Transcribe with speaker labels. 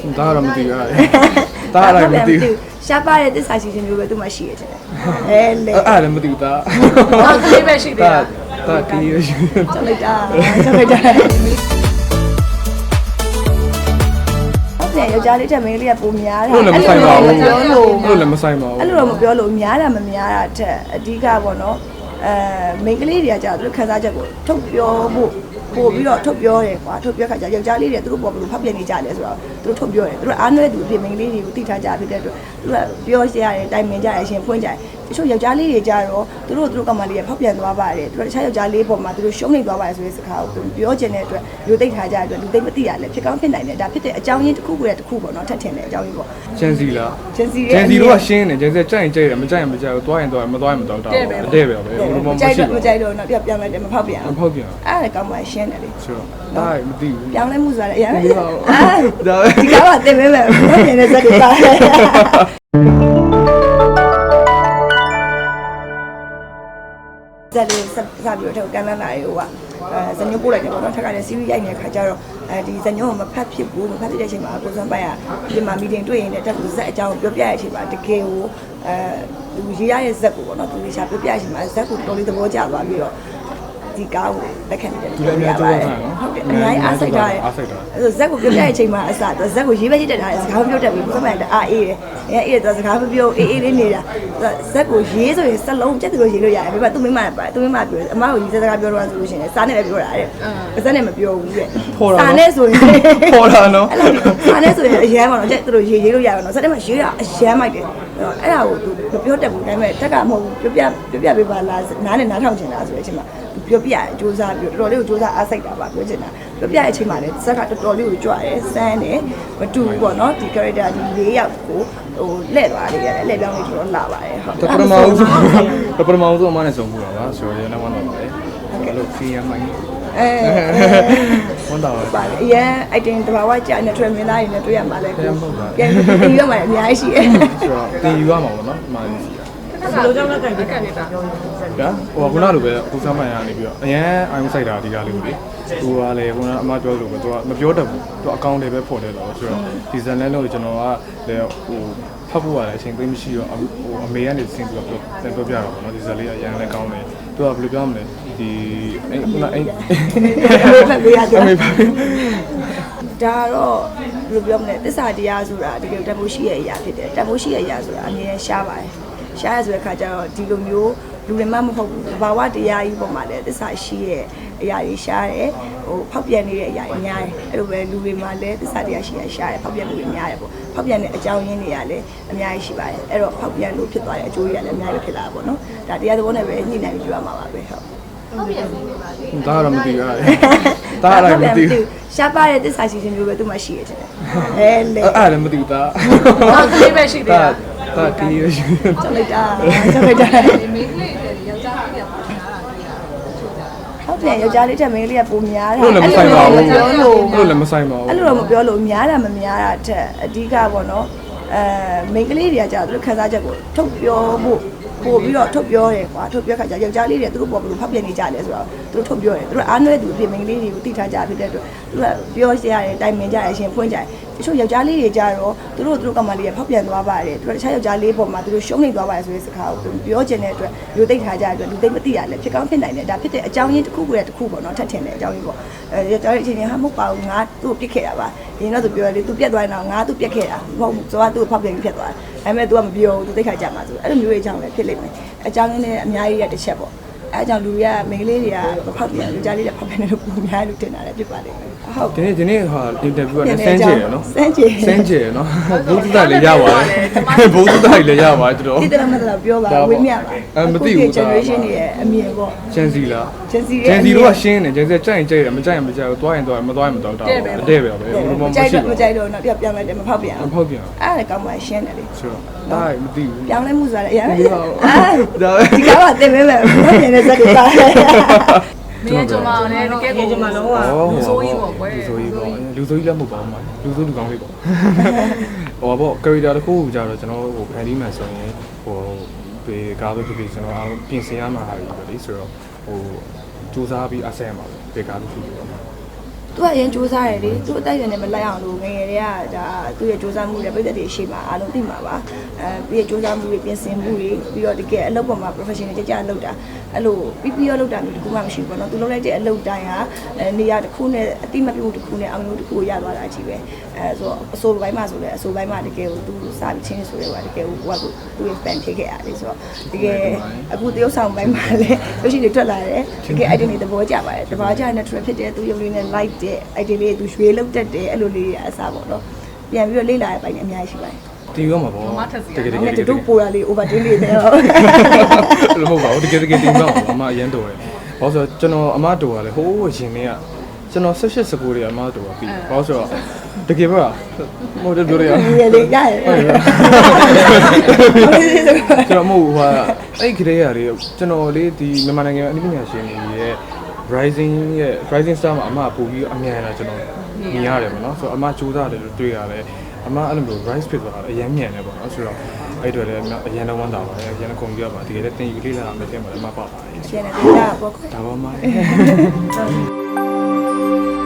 Speaker 1: ဒါကတော့မသိဘူးဒါလည်းမသိဘူး
Speaker 2: ရှားပါတဲ့သစ္စာရှိခြင်းမျိုးပဲသူမှရှိရတယ်အဲလေ
Speaker 1: အဲ့လည်းမသိဘူးဒါ
Speaker 3: တော့ဒီပဲရှိသေးတာ
Speaker 1: ဒါတီးရရှိ
Speaker 2: ကျော်လိုက်တာယောက်ျားလေးတက်မင်းလေးကပုံများတာ
Speaker 1: အဲ့လိုလည်းမဆိုင်ပါဘူးအဲ့လိုလည်းမဆိုင်ပါဘူး
Speaker 2: အဲ့လိုတော့မပြောလို့များတာမများတာတဲ့အဓိကပေါ့နော်မိန်းကလေးတွေကကြာသူတို့ခန်းစားချက်ကိုထုတ်ပြောဖို့ပို့ပြီးတော့ထုတ်ပြောတယ်ကွာထုတ်ပြောခါကျယောက်ျားလေးတွေသူတို့ပေါ်ဘလို့ဖောက်ပြန်နေကြတယ်ဆိုတော့သူတို့ထုတ်ပြောတယ်သူတို့အားနွဲသူအဖြစ်မိန်းကလေးတွေကိုသိထားကြဖြစ်တဲ့အတွက်သူကပြောရရတယ်တိုင်ပင်ကြရရှင်ဖွင့်ကြတယ်တချို့ယောက်ျားလေးတွေကြတော့သူတို့ကမှလေးဖောက်ပြန်သွားပါတယ်သူတို့တခြားယောက်ျားလေးပေါ်မှာသူတို့ရှုံးနေသွားပါတယ်ဆိုတဲ့စကားကိုပြောချင်တဲ့အတွက်လူသိထားကြတဲ့အတွက်လူသိမသိရလဲဖြစ်ကောင်းဖြစ်နိုင်တယ်ဒါဖြစ်တဲ့အကြောင်းရင်းတစ်ခုကိုတစ်ခုပေါ့နော်ထပ်ထင်တဲ့အကြောင်းရင်းပေါ့
Speaker 1: ဂျန်စီလား
Speaker 2: ဂျန်စီ
Speaker 1: တို့ကရှင်းတယ်ဂျန်စီကြိုက်ရင်ကြိုက်တယ်မကြိုက်ရင်မကြိုက်ဘူးသွားရင်သွားမသွားရင်မသွားတော့တဲ့ပဲပဲဘယ်လိုမှမရှိဘူး
Speaker 2: မကြိုက်တော့တော့ပြောင်းလိုက်တယ်မဖောက်ပြန်
Speaker 1: မဖောက်ပြန်
Speaker 2: အဲ့ဒါကောင်းမှရှင်းတယ်လေ
Speaker 1: ဆိုတော့ဒါမသိဘူး
Speaker 2: ပြောင်းလဲမှုဆိုတာလည်းအရင်ပဲ
Speaker 1: ဒါ
Speaker 2: ဒီကောင်ကတင်ပေးမယ်ဖောက်ပြန်တဲ့စက်တွေပါဇက်လေးစပြီးတော့ကန်လန်းလာရေဟိုကဇညုံပို့လိုက်တယ်ပေါ့နော်ထက်ကလည်း series ရိုက်နေတဲ့ခါကျတော့ဒီဇညုံကိုမဖတ်ဖြစ်ဘူးမဖတ်ဖြစ်တဲ့အချိန်မှာကိုစွမ်းပိုင်ကဒီမှာ meeting တွေ့ရင်လည်းတက်ကိုဇက်အကြောင်းပြောပြရတဲ့အချိန်မှာတကယ်ကိုသူရေးရတဲ့ဇက်ကိုပေါ့နော်သူလေးရှာပြောပြရတဲ့အချိန်မှာဇက်ကိုတော်လေးသဘောကျသွားပြီးတော့ဒီကားကိုလက်ခံနေတယ်
Speaker 1: ဒီလည်းအများကြီးဟုတ်
Speaker 2: တယ်အများကြီးအားစိတ်ထားတယ်အဲ့ဆိုဇက်ကိုပြောပြတဲ့အချိန်မှာအစတော့ဇက်ကိုရေးပဲရေးတက်ထားတယ်စကားပြောတတ်ပြီးကိုစွမ်းပိုင်ကအားအေးတယ်အေးတော့စကားပြောအေးလေးနေတာဇက်ကိုရေးဆိုရင်စလုံးပြတ်သူလို့ရေးလို့ရတယ်ဒါပေမဲ့သူမိမပါသူမိမပြောအမကိုရေးစကားပြောတော့ဆိုလို့ရှိရင်စားနဲ့ပဲပြောတာတဲ့ဇက်နဲ့မပြောဘူးတဲ့စားနဲ့ဆိုရင်
Speaker 1: ပေါ်တာနော်
Speaker 2: စားနဲ့ဆိုရင်အရန်ပါတော့တဲ့သူတို့ရေးလို့ရပါတော့ဇက်နဲ့မှရေးတာအရန်မိုက်တယ်အဲ့ဒါကိုသူမပြောတတ်ဘူးဒါပေမဲ့တက်ကမဟုတ်ဘူးပြောပြပေးပါလားနားနဲ့နားထောင်ချင်တာဆိုတဲ့အချိန်မှာပြောပြရစူးစမ်းပြီးတော်တော်လေးကိုစူးစမ်းအားစိတ်တာပါပြောချင်တာပြောပြတဲ့အချိန်မှာလည်းဇက်ကတော်တော်လေးကိုကြွရဲစမ်းတယ်မတူဘူးပေါ့နော်ဒီ character ဒီ၄ယောက်ကိုဟိုလှည့်သွားလေးရတယ်လှည့်ပြောင်းလေးတော်တော်လာပါတယ်
Speaker 1: ဟုတ်ပထမဦးဆုံးအမနဲ့ဆုံးဘူးတာပါဆိုတော့ရနောက်မှတော့ပါတယ်အဲ့လို feel ရမှန်းဝန်တော်
Speaker 2: ပါလေအရင် item တဘာဝကြာနေထွေမင်းသားတွေနဲ့တွေ့ရမှာလဲပြန်ပြီးရမှာအများကြီးရှိတယ်
Speaker 1: ဆိုတော့တင်ယူရမှာပေါ့နော်ဒီမှာ
Speaker 3: ဘယ်လိုကြောင့်လဲကြိုက်တယ်နေတာ
Speaker 1: ဟိုကခုနလိုပဲကိုစမ်းမှန်ရနေပြီးတော့အရန်အိုင်းဆိုင်တာဒီကားလေးကိုလေသူကလည်းခုနအမပြောလို့ပဲသူကမပြောတတ်ဘူးသူအကောင့်တွေပဲဖော်တယ်လို့ဆိုတော့ဒီဇန်လန်လို့ကျွန်တော်ကလည်းဟိုဖတ်ဖို့ရတယ်အချိန်သိမရှိတော့ဟိုအမေကနေစင်ပြီးတော့ပြောပြတော့ပေါ့နော်ဒီဇန်လေးအရန်လည်းကောင်းတယ်သူကဘယ်လိုပြောမလဲဒီခုနအဲ့
Speaker 2: ဖတ်ပေးရတယ်ဒါတော့ဘယ်လိုပြောမလဲသစ္စာတရားဆိုတာတကယ်တမိုးရှိရဲ့အရာဖြစ်တယ်တမိုးရှိရဲ့အရာဆိုတာအမြဲရှားပါတယ်ရှားရဆိုတဲ့ခါကျတော့ဒီလိုမျိုးလူတွေမှမဟုတ်ဘူးဘာဝတရားကြီးပေါ်မှာလည်းသစ္စာရှိရဲ့အရာတွေရှားတယ်ဟိုဖောက်ပြန်နေတဲ့အရာတွေများတယ်အဲ့လိုပဲလူတွေမှာလည်းသစ္စာတရားရှိရရှားတယ်ဖောက်ပြန်မှုတွေများတယ်ပေါ့ဖောက်ပြန်တဲ့အကြောင်းရင်းတွေကလည်းအများကြီးရှိပါတယ်အဲ့တော့ဖောက်ပြန်လို့ဖြစ်သွားတဲ့အကျိုးတွေကလည်းအများကြီးဖြစ်လာတာပေါ့နော်ဒါတရားသဘောနဲ့ပဲညှိနှိုင်းပြီးပြောရမှာပါပဲဟုတ်
Speaker 1: ဒါကတော့မသိဘူးဒါလည်းမသိဘူး
Speaker 2: ရှားပါတဲ့သစ္စာရှိခြင်းမျိုးပဲသူမှရှိရတယ်အဲလေ
Speaker 1: အဲ့လည်းမသိဘူးဒါ
Speaker 3: တော့ဒီပဲရှိသေးတာ
Speaker 1: ဒါတီးရရှိ
Speaker 2: ကျော်လိုက်တာ
Speaker 3: မိန်းကလေးတွေယောက်ျားလေးတွေပေါ့များတာ
Speaker 2: ဟုတ်တယ်ယောက်ျားလေးတက်မင်းလေးကပုံများတာ
Speaker 1: အဲ့လိုလည်းမဆိုင်ပါဘူးအဲ့လိုလည်းမဆိုင်ပါဘူး
Speaker 2: အဲ့လိုတော့မပြောလို့များတာမများတာတဲ့အဓိကပေါ့နော်မိန်းကလေးတွေကကြာသူတို့ခန်းစားချက်ကိုထုတ်ပြောဖို့ပို့ပြီးတော့ထုတ်ပြောတယ်ကွာထုတ်ပြောခါကျယောက်ျားလေးတွေသူတို့ပေါ်ဘလို့ဖောက်ပြန်နေကြတယ်ဆိုတော့သူတို့ထုတ်ပြောတယ်သူတို့အားနွဲသူအဖြစ်မိန်းကလေးတွေကိုသိထားကြဖြစ်တဲ့အတွက်သူကပြောရရတယ်တိုင်ပင်ကြရရှင်ဖွင့်ကြတယ်တချို့ယောက်ျားလေးတွေကြတော့သူတို့ကမှလေးဖောက်ပြန်သွားပါတယ်သူတို့တခြားယောက်ျားလေးပေါ်မှာသူတို့ရှုံးနေသွားပါတယ်ဆိုတဲ့စကားကိုပြောချင်တဲ့အတွက်လူသိထားကြတဲ့အတွက်လူသိမသိရလဲဖြစ်ကောင်းဖြစ်နိုင်တယ်ဒါဖြစ်တဲ့အကြောင်းရင်းတစ်ခုကိုတစ်ခုပေါ့နော်ထပ်ထင်တဲ့အကြောင်းရင်းပေါ့ယောက်ျားလေးအချင်းချင်းဟာမဟုတ်ပါဘူးငါသူ့ကိုပြစ်ခဲ့တာပါဒီတော့သူပြောတယ်သူပြက်သွားရင်တော့ငါသူ့ပြက်ခဲ့တာမဟုတ်ဘူးဆိုတော့သူ့ကိုဖောက်ပြန်ပြီးပြက်သွားတယ်ဒါပေမဲ့ तू ကမပြောဘူး तू သိခါကြမှာဆိုအဲ့လိုမျိုးအကြောင်းလည်းဖြစ်လိမ့်မယ်အကြောင်းရင်းနဲ့အများကြီးရတစ်ချက်ပေါ့အဲအကြောင်းလူတွေကမိန်းကလေးတွေကဖောက်ပြန်လူကြားလေးတွေဖောက်ပြန်နေလို့ပုံများလို့တင်တာလည်းဖြစ်ပါလိမ့်မယ်
Speaker 1: ဟုတ်ဒီနေ့ဟာအင်တာဗျူးကလည်းစမ်းကြည့်ရနော်
Speaker 2: စမ်းကြည့်
Speaker 1: ရနော်ဘုသူတလည်းရပါတယ်ဘုသူတလည်းရပါတယ်တော်
Speaker 2: ဒီတလည်းမတော်ပြောပါဝေးမြပါ
Speaker 1: မသိဘူး
Speaker 2: generation တွေရဲ့အမြင်ပေါ့
Speaker 1: ဂျန်စီလား
Speaker 2: ဂျန်စီ
Speaker 1: တို့ကရှင်းတယ်ဂျန်စီကြိုက်ရင်ကြိုက်တယ်မကြိုက်ရင်မကြိုက်ဘူးသွားရင်သွားမသွားရင်မသွားတော့တဲ့ပဲဘယ်လိုမှမရှိဘူး
Speaker 2: မကြိုက်တော့တော့ပြောင်းလိုက်တယ်မဖောက်ပြန်
Speaker 1: မဖောက်ပြန်
Speaker 2: အဲ့ဒါကောင်းမှရှင်းတယ်လေ
Speaker 1: ဆိုတော့ဒါမသိဘူး
Speaker 2: ပြောင်းလဲမှုဆိုတာလည်းအရင်ပဲ
Speaker 1: ဒါ
Speaker 2: ဒီကောင်ကတင်ပေးမယ်ဖောက်ပြန်တဲ့ဇက်တွေပါ
Speaker 3: မင်းကျွန်မလည်းတကယ်ကိုကျွန်မလုံးဝလူဆိုးကြီးပေါ့ကွယ်
Speaker 1: လူဆိုးကြီးပေါ့လူဆိုးကြီးလည်းမဟုတ်ပါဘူးမှာလူဆိုးလူကောင်းလေးပေါ့ဟိုပေါ့ character တစ်ခုကိုကြာတော့ကျွန်တော်ဟိုဖန်တီးမှဆိုရင်ဟိုဒီကားပဲဖြစ်ဖြစ်ကျွန်တော်ပြင်ဆင်ရမှာဟာပြီပဲလေဆိုတော့ဟိုစူးစမ်းပြီးအဆက်ရမှာပဲဒီကားတစ်ခုပေါ့
Speaker 2: သူသူကအရင်စူးစမ်းတယ်လေသူအတိုက်တယ်နဲ့မလိုက်အောင်လို့ငယ်ငယ်တွေကဒါသူရဲ့စူးစမ်းမှုတွေပြည်သက်တွေရှိမှာအားလုံးသိမှာပါပြီးရစူးစမ်းမှုတွေပြင်ဆင်မှုတွေပြီးတော့တကယ်အလုပ်ပေါ်မှာ professional ကြကြလုပ်တာအဲ့လိုပြီးတော့လုပ်တာမျိုးတခုမှမရှိဘူးပေါ့နော်သူလုပ်လိုက်တဲ့အလုပ်တိုင်းဟာနေရာတစ်ခုနဲ့အတိမပြုတ်တစ်ခုနဲ့အောင်လို့တစ်ခုကိုရသွားတာကြီးပဲဆိုတော့အစိုးပိုင်းမှာဆိုလဲအစိုးပိုင်းမှာတကယ်ကိုသူစာပြီးချင်းဆိုရဲပါတကယ်ကိုကသူရဲ့ fan ဖြစ်ခဲ့ရတယ်ဆိုတော့တကယ်အခုတရုတ်ဆောင်ပိုင်းမှာလည်းလို့ရှိရင်ထွက်လာတယ်တကယ် idea တွေသဘောကျပါတယ်တဘာကျ natural ဖြစ်တယ်သူရုပ်လေးနဲ့ light တဲ့ idea လေးသူရွှေလောက်တက်တယ်အဲ့လိုလေးအစားပေါ့နော်ပြန်ပြီးတော့လေ့လာရပိုင်းအများကြီးရှိပါတယ်
Speaker 1: တီးရောမှာပေါ့တကယ်
Speaker 2: တို့ပိုရလေး overtain လေးတယ်ဟုတ်
Speaker 1: လို့မဟုတ်ပါဘူးတကယ်တီးတော့အမအရန်တော်တယ်ဘာလို့ဆိုတော့ကျွန်တော်အမတော်ကလည်းဟိုးရင်နေကကျွန်တော်18 19တွေအမတော်ကပြီးဘာလို့ဆိုတော့တကယ်ပါမဟုတ်တယ်ပြောရအောင်
Speaker 2: ရေလေးရတယ်
Speaker 1: ကျွန်တော်မဟုတ်ဟာအဲ့ခရေရလေးကျွန်တော်လေးဒီမြန်မာနိုင်ငံအနည်းပညာရှင်တွေရဲ့ rising star မှာအမပို့ပြီးအမြန်လာကျွန်တော်မြင်ရတယ်ပေါ့နော်ဆိုတော့အမစူးစမ်းတယ်လို့တွေ့ရတယ်အမအဲ့လိုမျိုး rise ဖြစ်သွားတာအရင်မြန်တယ်ပေါ့နော်ဆိုတော့အဲ့တွေလည်းအရင်တော့ဝမ်းသာပါတယ်အရင်ကုန်ပြပါတကယ်လည်းတင်ယူလေးလာမယ်တဲ့မှာလည်းမပါပါဘူး
Speaker 2: ရှင်နေတယ်ပေါ့
Speaker 1: ဒါပါမှ